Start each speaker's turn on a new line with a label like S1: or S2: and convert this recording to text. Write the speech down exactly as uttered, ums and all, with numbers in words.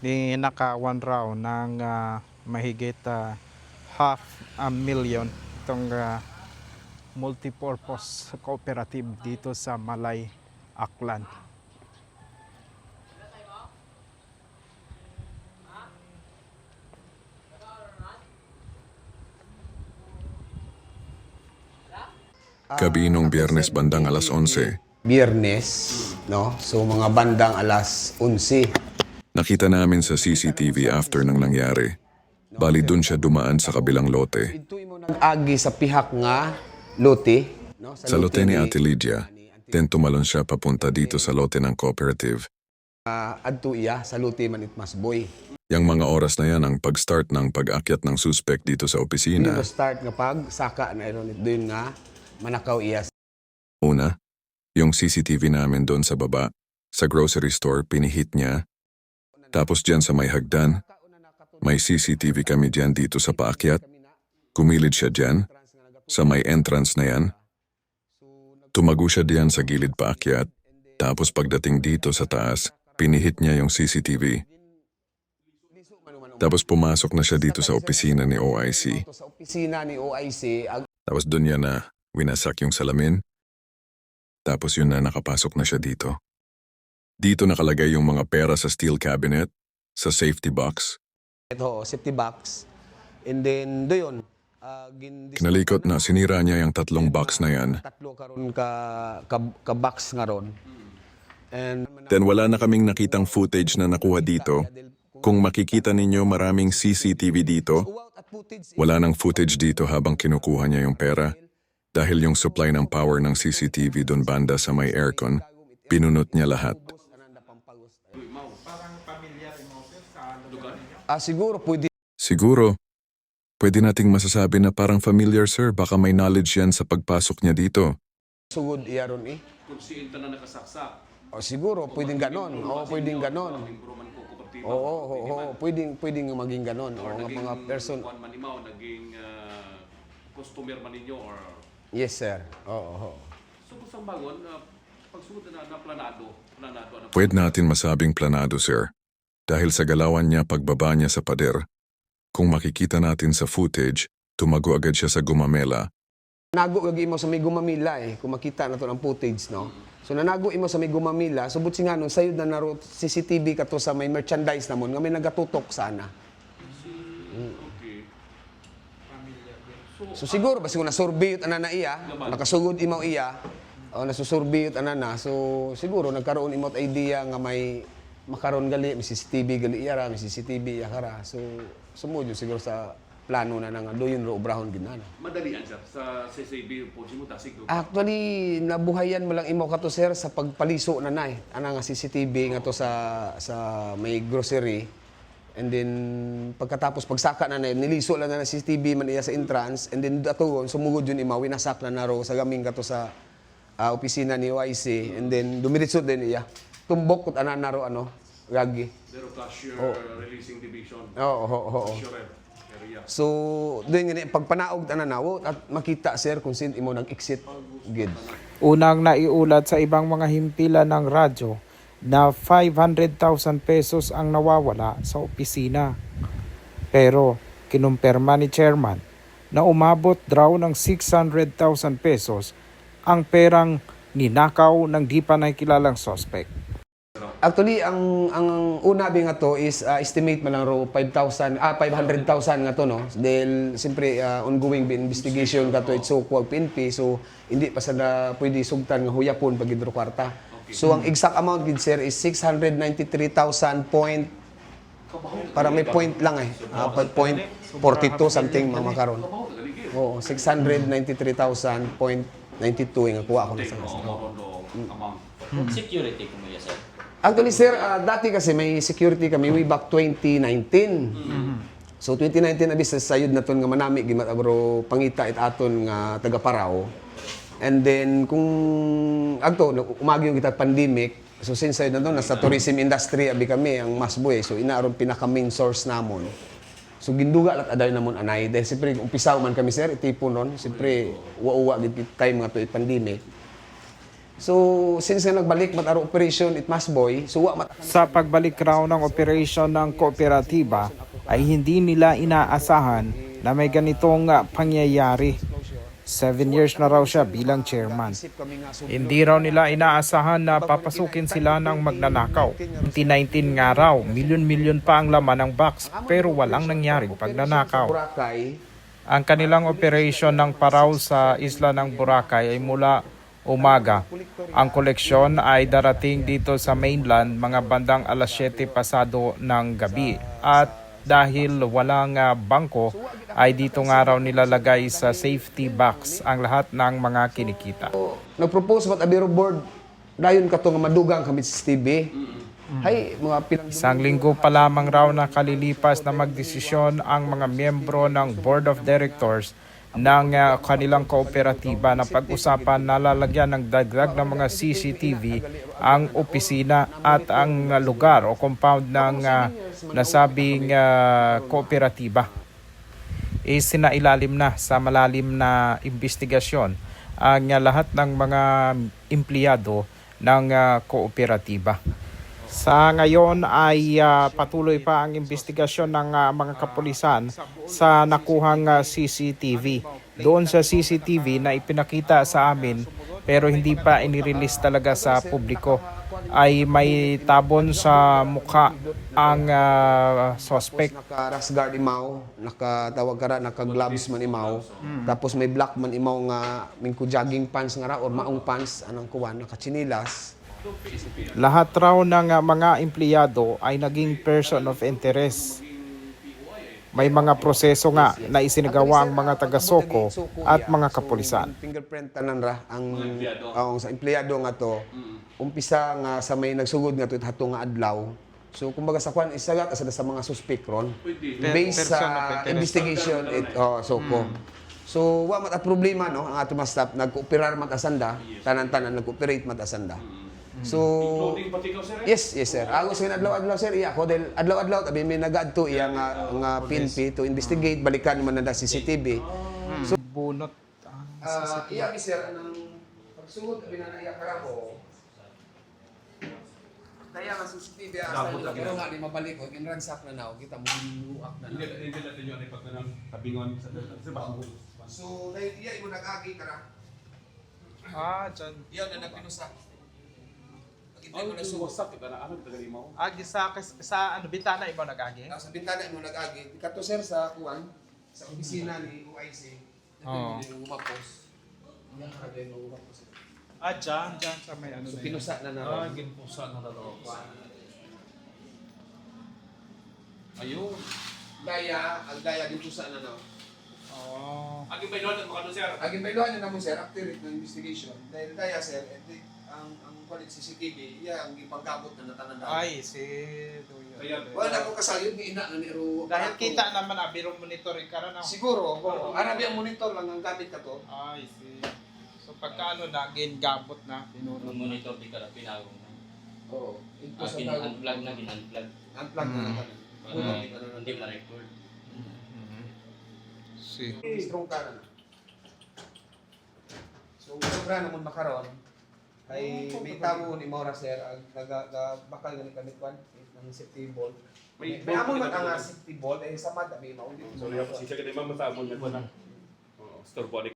S1: ninakawan raw ng ah, mahigit ah, half a million itong ah, multipurpose cooperative dito sa Malay, Aklan.
S2: Gabi nung Biyernes bandang alas onse,
S3: Biyernes, no? So mga bandang alas onse.
S2: nakita namin sa C C T V after nang nangyari. Bali dun siya dumaan sa kabilang lote.
S3: Ito'y mo nag-agi sa pihak nga lote, no?
S2: Sa lote ni Ate Lydia, then tumalon siya papunta dito sa lote ng cooperative.
S3: Uh, adto iya sa lote man itmasboy.
S2: Yang mga oras na yan ang pag-start ng pag-akyat ng suspect dito sa opisina.
S3: Dito start nga pag saka na iron doon nga manakaw iya.
S2: Una, yung C C T V namin doon sa baba, sa grocery store, pinihit niya. Tapos dyan sa may hagdan, may C C T V kami dyan dito sa paakyat. Kumilid siya dyan, sa may entrance na yan. Tumago siya diyan sa gilid paakyat. Tapos pagdating dito sa taas, pinihit niya yung C C T V. Tapos pumasok na siya dito sa opisina ni O I C.
S3: Sa opisina ni O I C, ag-
S2: Tapos doon niya na winasak yung salamin. Tapos yun na nakapasok na siya dito. Dito nakalagay yung mga pera sa steel cabinet, sa safety box.
S3: ito safety box. And then doyon, uh,
S2: Kinalikot na sinira niya yung tatlong box na yan.
S3: tatlo karon ka, ka ka box nga ron. And
S2: Then wala na kaming nakitang footage na nakuha dito. Kung makikita ninyo maraming C C T V dito, wala nang footage dito habang kinukuha niya yung pera. Dahil yung supply ng power ng C C T V doon banda sa may aircon, pinunot niya lahat.
S3: ah, siguro pwede
S2: Siguro, pwede nating masasabi na parang familiar sir, baka may knowledge yan sa pagpasok niya dito.
S3: sugod iya ron eh.
S4: Kung si Inta na nakasaksak.
S3: O siguro pwedeng ganon. Oo, pwedeng ganon.
S4: Improman ko kooperatiba.
S3: Oo, oo, oo, pwedeng pwedeng maging ganon. O nga mga person.
S4: Kuan manimaw, naging ah, customer man ninyo or
S3: Yes, sir. Oo, oo.
S4: subos ang bagon, uh, pagsugod na na planado, planado ano.
S2: Pwede natin masabing planado sir. Dahil sa galawan niya pagbaba niya sa pader, kung makikita natin sa footage, tumago agad siya sa gumamela.
S3: Nago lagi mo sa may gumamila eh, kung makita na to ng footage, no? So nanago imo sa may gumamila, subot si nga nun, sayod na naro C C T V ka to sa may merchandise namon, nga may nagatutok sana.
S4: Okay.
S3: So siguro, basta kung nasurbiyot ana na iya, nakasugod imo iya, o nasusurbiyot ana na, so siguro nagkaroon imot idea nga may makaroon gali, may C C T V gali iya ra, may C C T V iya kara. So sumudyo siguro sa plano na nga doyon ro obrahon gid na.
S4: Madalian sir sa C C B po si mo tasig.
S3: Actually, nabuhayan mo lang imo kato sir sa pagpaliso na nay. Ana nga C C T V nga to sa sa may grocery. And then pagkatapos pagsaka na nay niliso lang na ng C C T V man iya sa entrance, and then ato sumugod yun ima winasak na naro sa gaming kato sa ah, opisina ni O I C, and then dumiritso din iya. Tumbok kut ana naro ano, gagi.
S4: Zero cashier releasing division.
S3: Oo, oo, oo.
S4: Cashier area.
S3: So, doon nga pagpanaog na nawo at makita sir kung sin imo nag-exit gid.
S1: Unang naiulat sa ibang mga himpilan ng radyo na five hundred thousand pesos ang nawawala sa opisina. Pero kinumpirma ni chairman na umabot daw ng six hundred thousand pesos ang perang ninakaw ng di pa nakikilalang suspect.
S3: Actually, ang ang una bi nga to is uh, estimate man lang ro five thousand ah five hundred thousand nga to no. Dahil siyempre uh, ongoing bi investigation ka to itso ko P N P, so hindi pa sada pwede sugtan nga huyapon pag gidro kwarta. So ang exact amount gid sir is six hundred ninety-three thousand point para may point lang eh. Uh, point forty-two something mga makaron. Oo, six hundred ninety-three thousand point ninety-two nga kuha ko na sa.
S4: Amount.
S5: Security ko mo yan, sir.
S3: Actually, sir, uh, dati kasi may security kami way back twenty nineteen. So, twenty nineteen, abis sa sayod na ton nga manami, gimat agro pangita it aton nga taga Parao. And then, kung agto, umagi yung kita pandemic, so since sayod na to, nasa tourism industry, abi kami, ang masboy. So, inaaron pinaka main source namon. So, ginduga lat aday namon anay. Dahil siyempre, umpisaw man kami, sir, itipon nun. Siyempre, uwa-uwa, time nga to, it pandemic. So since nga nagbalik mat aro operation it must boy, so wa mat
S1: Sa pagbalik raw ng operasyon ng kooperatiba ay hindi nila inaasahan na may ganitong ah, pangyayari. Seven years na raw siya bilang chairman. Hindi raw nila inaasahan na papasukin sila ng magnanakaw. twenty nineteen nga raw, milyon-milyon pa ang laman ng box pero walang nangyaring pagnanakaw.
S3: Boracay.
S1: Ang kanilang operation ng paraw sa isla ng Boracay ay mula umaga. Ang koleksyon ay darating dito sa mainland mga bandang alas siyete pasado ng gabi. At dahil walang uh, bangko, ay dito nga raw nilalagay sa safety box ang lahat ng mga kinikita.
S3: Nagpropose mat abiro board dayon kato nga madugang kami sa T V. Hay mga pilang
S1: Isang linggo pa lamang raw na kalilipas na magdesisyon ang mga miyembro ng Board of Directors ng uh, kanilang kooperatiba na pag-usapan na lalagyan ng dagdag ng mga C C T V ang opisina at ang uh, lugar o compound ng uh, nasabing uh, kooperatiba. Isinailalim na sa malalim na investigasyon ang uh, lahat ng mga empleyado ng uh, kooperatiba. Sa ngayon ay uh, patuloy pa ang investigasyon ng uh, mga kapulisan sa nakuhang uh, C C T V. Doon sa C C T V na ipinakita sa amin pero hindi pa inirelease talaga sa publiko ay may tabon sa mukha ang uh, suspect.
S3: naka-rash guard imaw, nakatawag ka ra, naka-gloves man imaw. Tapos may black man imaw nga mingko jogging pants nga ra or maong pants anang kuwan, naka-chinilas.
S1: Lahat raw ng uh, mga empleyado ay naging person of interest. May mga proseso nga na isinagawa ang mga taga-Soko at mga kapulisan.
S3: Fingerprint tanan ra ang ang sa empleyado nga to. Umpisa nga sa may nagsugod nga to hato nga adlaw. So kumbaga sa kwan isagat sa sa mga suspect ron. Based sa investigation it oh, Soko. So wa mat at problema no ang ato mga staff nag-cooperar mat asanda, tanan-tanan nag-cooperate mat asanda. So,
S4: Including pati ikaw, sir?
S3: yes, yes sir. Ako sa adlaw-adlaw sir, iya ko dahil adlaw-adlaw tabi may nag-adto iya nga nga P N P to investigate balikan man na C C T V.
S1: So, bunot.
S3: Ah, iya mi sir anang pagsugod abi na iya karako. Kaya nga C C T V asa nila pero nga di mabalik ko kinransak na naw kita mo ginuak na.
S4: Hindi hindi natin yun ay pag nang tabingon sa sa bago.
S3: So, dahil iya imo nag-agi kara.
S1: Ah, dyan.
S3: Iya na nagpinusa.
S4: Ay, wasak kita na ano tagali mo.
S1: Agi sa, sa ano, bintana iba nag-agi?
S3: Sa bintana imo nag-agi. Kato sir sa kuan sa opisina ni O I C.
S1: Oo.
S3: Yung umapos. Yan ka din umapos.
S1: Ah, dyan, dyan sa may ano
S3: So pinusa na na.
S4: Ah, ginpusa na daw. Ayun.
S3: Daya, ang daya din pusa na na.
S1: Oh.
S4: Aging ba yun mo sir?
S3: Aging bailuhan na mo sir, accurate ng investigation. Dahil daya sir, eh, ang ang kulit C C T V, iya ang gipagkabot na natananda.
S1: Ay, si Duyo.
S4: Kaya,
S3: Wala ko kasayod ni ina na ni Ero.
S1: Dahil kita naman, abiro monitoring ka na na.
S3: Siguro, oo. Arabi ang monitor lang ang gamit ka to.
S1: Ay, si. So, pagka ano na, gain gabot na.
S5: Nung monitor di ka na pinagong na.
S3: Oo. Ito
S5: Ah,
S3: sa
S5: pin-unplug na, gin-unplug.
S3: Unplug na natin.
S5: Para hindi ma-record.
S1: Si.
S3: Strong ka na. So, sobra naman makaroon. Ay may tabo ni Maura sir, ang naga-bakal nga ni kami kwan ng safety ball. May may amon man ang safety ball ay samad may maulit.
S4: Sorry, ako siya ka din mamasabon na ko na. Oh, store body.